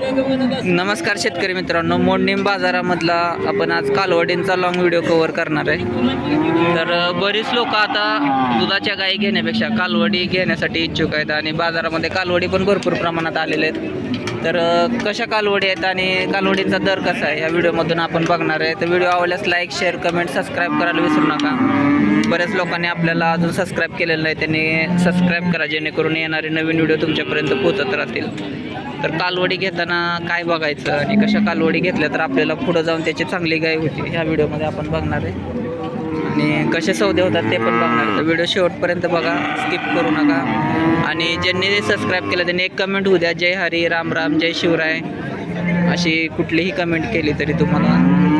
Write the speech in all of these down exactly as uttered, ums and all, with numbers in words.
नमस्कार शेतकरी मित्रांनो, मोडणीम बाजारामधला आपण आज कालवडींचा लॉंग व्हिडिओ कव्हर करणार आहे. तर बरीच लोक आता दुधाच्या गायी घेण्यापेक्षा कालवडी घेण्यासाठी इच्छुक आहेत आणि बाजारामध्ये कालवडी पण भरपूर प्रमाणात आलेले आहेत. तर कशा कालवडी आहेत आणि कालवडींचा दर कसा आहे या व्हिडिओमधून आपण बघणार आहे. तर व्हिडिओ आवडल्यास लाईक, शेअर, कमेंट, सबस्क्राईब करायला विसरू नका. बऱ्याच लोकांनी आपल्याला अजून सबस्क्राईब केलेलं नाही, त्यांनी सबस्क्राईब करा जेणेकरून येणारे नवीन व्हिडिओ तुमच्यापर्यंत पोहोचत राहतील. तर कालवडी घेताना काय बघायचं आणि कशा कालवडी घेतल्या तर आपल्याला पुढं जाऊन त्याची चांगली गाय होती ह्या व्हिडिओमध्ये आपण बघणार आहे. आणि कसे सौदे होतात ते पण बघणार आहे. तर व्हिडिओ शेवटपर्यंत बघा, स्किप करू नका. आणि ज्यांनी सबस्क्राईब केलं त्यांनी एक कमेंट होऊ द्या, जय हरी, राम राम, जय शिवराय अशी कुठलीही कमेंट केली तरी तुम्हाला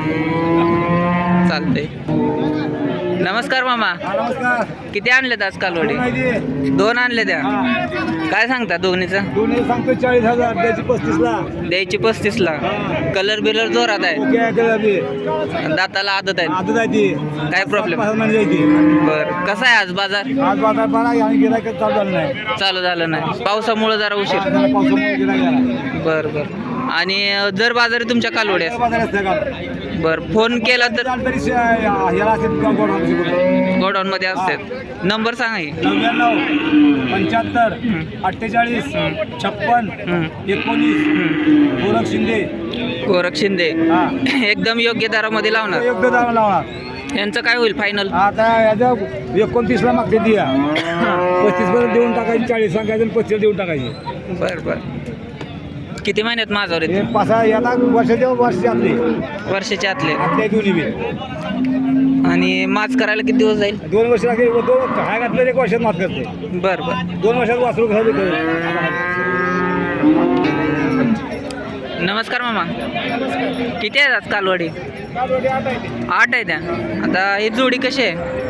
चालते. नमस्कार मामा. नमस्कार. किती आणलेत आज कालवडी? दोन आणले द्या. काय सांगता दोन्हीचं? दोन्ही सांगतो चाळीस हजार, द्यायची पस्तीस ला. द्यायची पस्तीस ला. कलर बिलर जोरात आहे, दाताला आदत आहे. आदत आहे ती. काय प्रॉब्लेम? बर. कसा आहे आज बाजार? आज बाजार बरा आहे आणि गिरायक चालू झालं नाही. चालू झालं नाही, पावसामुळे जरा उशीर. पावसामुळे गिरायक झाला. बर बर. आणि जर बाजारी तुमच्या कालवड्या बाजार असते का? बर. फोन केला तर तरी श- याला असेल का गोडाऊन शिकवतो. गोडाऊन मध्ये असतात. नंबर सांगा की. नव्याण्णव पंच्याहत्तर अठ्ठेचाळीस छप्पन एकोणीस. गोरख शिंदे. गोरख शिंदे. हा. एकदम योग्य दरामध्ये लावणार. योग्य दाम लावणार. यांचं काय होईल फायनल? आता याच्या एकोणतीस ला मागते ती पस्तीस पर्यंत देऊन टाकायची, चाळीस सांगायचं आणि पस्तीस देऊन टाकायची. बर बर. किती महिन्यात माझ्यावर हे येते? पाच आता वर्षाच्या वर्षाचे आपले वर्षाच्या आतले. आपल्या दोन्ही बी आणि माच करायला किती दिवस जाईल? दोन वर्ष लागेल. दोन काय घातलं एक वर्षात मात करते. बर बर. दोन वर्षात वासरू घालू. नमस्कार मामा. किती आहेत आज कालवडी? आठ आहे त्या. आता ही जोडी कशी आहे?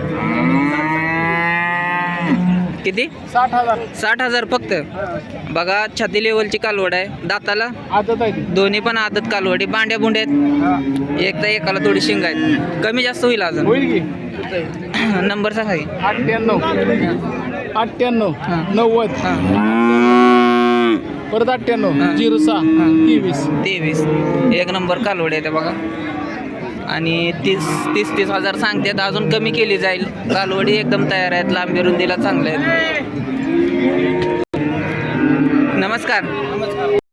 किती? साठ हजार. साठ हजार फक्त. बघा, छाती लेवलची कालवड आहे. दाताला आदत आहे. दोन्ही पण आदत कालवडी. बांड्या बुंड्या आहेत. एक तर एकाला थोडी शिंग आहेत. कमी जास्त होईल अजून. होईल की. नंबर सांगा की. अठ्ठ्याण्णव अठ्ठ्याण्णव हां. नव्वद हां. परत अठ्ठ्याण्णव हां. झिरो सहा हां. तेवीस. तेवीस. एक नंबर कालवडी आहे ते बघा. आणि तीस तीस तीस हजार सांगतात. अजून कमी केली जाईल. कालवडी एकदम तयार आहेत. लांबी रुंदीला चांगले आहेत. नमस्कार.